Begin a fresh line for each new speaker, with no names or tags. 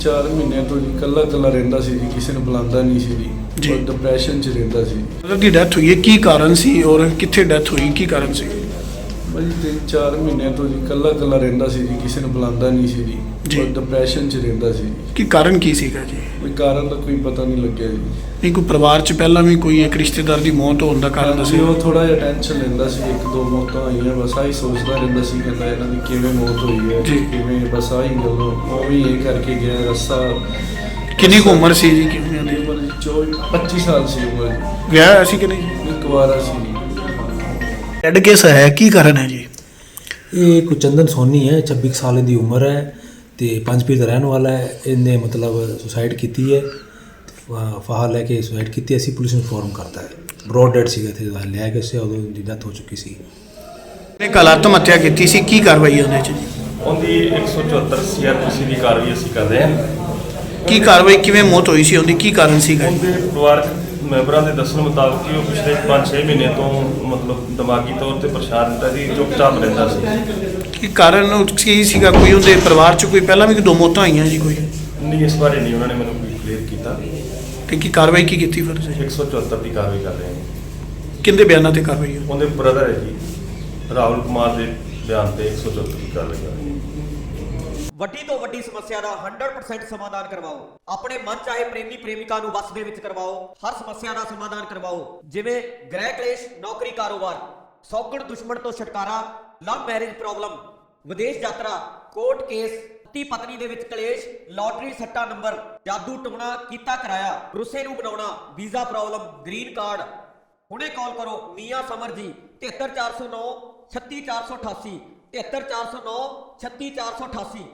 3-4 ਮਹੀਨੇ ਤੋਂ ਜੀ ਕੱਲਾ ਰਹਿੰਦਾ ਸੀ ਜੀ, ਕਿਸੇ ਨੂੰ ਬੁਲਾਉਂਦਾ ਨਹੀਂ ਸੀ ਜੀ, ਔਰ ਡਿਪਰੈਸ਼ਨ 'ਚ ਰਹਿੰਦਾ ਸੀ।
ਉਹਦੀ ਡੈਥ ਹੋਈ ਹੈ, ਕੀ ਕਾਰਨ ਸੀ ਔਰ ਕਿੱਥੇ ਡੈਥ ਹੋਈ, ਕੀ ਕਾਰਨ ਸੀ?
ਭਾਜੀ 3-4 ਮਹੀਨੇ ਤੋਂ ਜੀ ਕੱਲਾ ਰਹਿੰਦਾ ਸੀ ਜੀ, ਕਿਸੇ ਨੂੰ ਬੁਲਾਉਂਦਾ ਨਹੀਂ ਸੀ ਜੀ, ਔਰ ਡਿਪਰੈਸ਼ਨ 'ਚ ਰਹਿੰਦਾ ਸੀ।
ਕੀ ਕਾਰਨ ਕੀ ਸੀਗਾ ਜੀ?
ਕੋਈ ਕਾਰਨ ਦਾ ਕੋਈ ਪਤਾ ਨਹੀਂ ਲੱਗਿਆ ਜੀ।
ਨਹੀਂ ਕੋਈ ਪਰਿਵਾਰ 'ਚ ਪਹਿਲਾਂ ਵੀ ਕੋਈ ਇੱਕ ਰਿਸ਼ਤੇਦਾਰ ਦੀ ਮੌਤ ਹੋਣ ਦਾ ਕਾਰਨ
ਅਸੀਂ
ਦੱਸਿਓ।
ਉਹ ਥੋੜਾ ਜਿਹਾ ਟੈਨਸ਼ਨ ਲੈਂਦਾ ਸੀ, 1-2 ਮੌਤਾਂ ਆਈਆਂ, ਬਸ ਆਹੀ ਸੋਚਦਾ ਰਹਿੰਦਾ ਸੀ, ਕਹਿੰਦਾ ਇਹਨਾਂ ਦੀ ਕਿਵੇਂ ਮੌਤ ਹੋਈ ਹੈ, ਕਿਵੇਂ, ਬਸ ਆਹੀ ਗੱਲ ਉਹ ਵੀ ਇਹ ਕਰਕੇ ਗਿਆ ਰੱਸਾ।
ਕਿੰਨੀ ਕੁ ਉਮਰ ਸੀ ਜੀ? ਕਿੰਨੀ ਦੀ
ਉਮਰ 24-25 ਸਾਲ ਸੀ ਉਮਰ ਜੀ।
ਵਿਆਹ ਹੋਇਆ ਸੀ ਕਿ ਨਹੀਂ?
ਇੱਕ ਵਾਰਾ ਸੀ ਜੀ।
ਡੈਡ ਕੇਸ ਹੈ, ਕੀ ਕਾਰਨ ਹੈ ਜੀ?
ਇਹ ਕੋਈ ਚੰਦਨ ਸੋਨੀ ਹੈ, 26 ਸਾਲ ਦੀ ਉਮਰ ਹੈ ਤੇ ਪੰਜਪੀਰ ਦਾ ਰਹਿਣ ਵਾਲਾ ਹੈ। ਇਹਨੇ ਮਤਲਬ ਸੁਸਾਈਡ ਕੀਤੀ ਹੈ, ਫਾਹਾ ਲੈ ਕੇ ਸੁਸਾਈਡ ਕੀਤੀ। ਅਸੀਂ ਪੁਲਿਸ ਨੂੰ ਇਨਫੋਰਮ ਕਰਤਾ ਹੈ। ਬਰੋਡ ਡੈਡ ਸੀਗਾ, ਇੱਥੇ ਲਿਆ ਕੇ ਉਸੇ ਉਦੋਂ ਦੀ ਡੈਥ ਹੋ ਚੁੱਕੀ ਸੀ।
ਨੇ ਕੱਲ੍ਹ ਆਤਮ ਹੱਤਿਆ ਕੀਤੀ ਸੀ, ਕੀ ਕਾਰਵਾਈ ਉਹਦੇ 'ਚ ਜੀ?
ਉਹਦੀ 174 ਸੀਆਰਪੀਸੀ ਦੀ ਕਾਰਵਾਈ ਅਸੀਂ ਕਰ ਰਹੇ ਹਾਂ।
ਕੀ ਕਾਰਵਾਈ, ਕਿਵੇਂ ਮੌਤ ਹੋਈ ਸੀ ਉਹਦੀ, ਕੀ ਕਾਰਨ ਸੀਗਾ?
ਉਹਦੇ ਪਰਿਵਾਰਕ ਮੈਂਬਰਾਂ ਦੇ ਦੱਸਣ ਮੁਤਾਬਕ ਕਿ ਉਹ ਪਿਛਲੇ 5-6 ਮਹੀਨੇ ਤੋਂ ਮਤਲਬ ਦਿਮਾਗੀ ਤੌਰ ਤੇ ਪਰੇਸ਼ਾਨ ਰਹਿੰਦਾ ਸੀ, ਚੁੱਪਚਾਪ ਰਹਿੰਦਾ ਸੀ।
ਕੀ ਕਾਰਨ ਕੀ ਸੀਗਾ? ਕੋਈ ਉਹਦੇ ਪਰਿਵਾਰ 'ਚ ਕੋਈ ਪਹਿਲਾਂ ਵੀ 2 ਮੌਤਾਂ ਆਈਆਂ ਜੀ ਕੋਈ?
ਨਹੀਂ, ਇਸ ਬਾਰੇ ਨਹੀਂ ਉਹਨਾਂ ਨੇ ਮੈਨੂੰ ਕੋਈ ਕਲੀਅਰ ਕੀਤਾ।
ਤੇ ਕੀ ਕਾਰਵਾਈ ਕੀ ਕੀਤੀ ਫਿਰ ਤੁਸੀਂ?
174 ਦੀ ਕਾਰਵਾਈ ਕਰ ਰਹੇ ਹਾਂ।
ਕਿੰਦੇ ਬਿਆਨਾਂ ਤੇ ਕਾਰਵਾਈ ਹੋਈ?
ਉਹਦੇ ਬ੍ਰਦਰ ਹੈ ਜੀ ਰਾਹੁਲ ਕੁਮਾਰ ਦੇ ਬਿਆਨ ਤੇ 174 ਦੀ ਕਾਰਵਾਈ ਕਰ ਰਹੇ ਹਾਂ।
ਵੱਡੀ ਤੋਂ ਵੱਡੀ ਸਮੱਸਿਆ ਦਾ 100% ਸਮਾਧਾਨ ਕਰਵਾਓ। ਆਪਣੇ ਮਨ ਚਾਹੇ ਪ੍ਰੇਮੀ ਪ੍ਰੇਮਿਕਾ ਨੂੰ ਵਸ ਦੇ ਵਿੱਚ ਕਰਵਾਓ। ਹਰ ਸਮੱਸਿਆ ਦਾ ਸਮਾਧਾਨ ਕਰਵਾਓ, ਜਿਵੇਂ ਗ੍ਰਹਿ ਕਲੇਸ਼, ਨੌਕਰੀ, ਕਾਰੋਬਾਰ, ਸੌਗਣ ਦੁਸ਼ਮਣ ਤੋਂ ਛੁਟਕਾਰਾ, ਲਵ ਮੈਰਿਜ ਪ੍ਰੋਬਲਮ, ਵਿਦੇਸ਼ ਯਾਤਰਾ, ਕੋਰਟ ਕੇਸ, ਪਤੀ ਪਤਨੀ ਦੇ ਵਿੱਚ ਕਲੇਸ਼, ਲਾਟਰੀ ਸੱਟਾ ਨੰਬਰ, ਜਾਦੂ ਟੂਣਾ ਕੀਤਾ ਕਰਾਇਆ, ਰੁੱਸੇ ਨੂੰ ਬਣਾਉਣਾ, ਵੀਜ਼ਾ ਪ੍ਰੋਬਲਮ, ਗ੍ਰੀਨ ਕਾਰਡ। ਹੁਣੇ ਕਾਲ ਕਰੋ ਮੀਆਂ ਸਮਰ ਜੀ 73409 36488 73409 36488।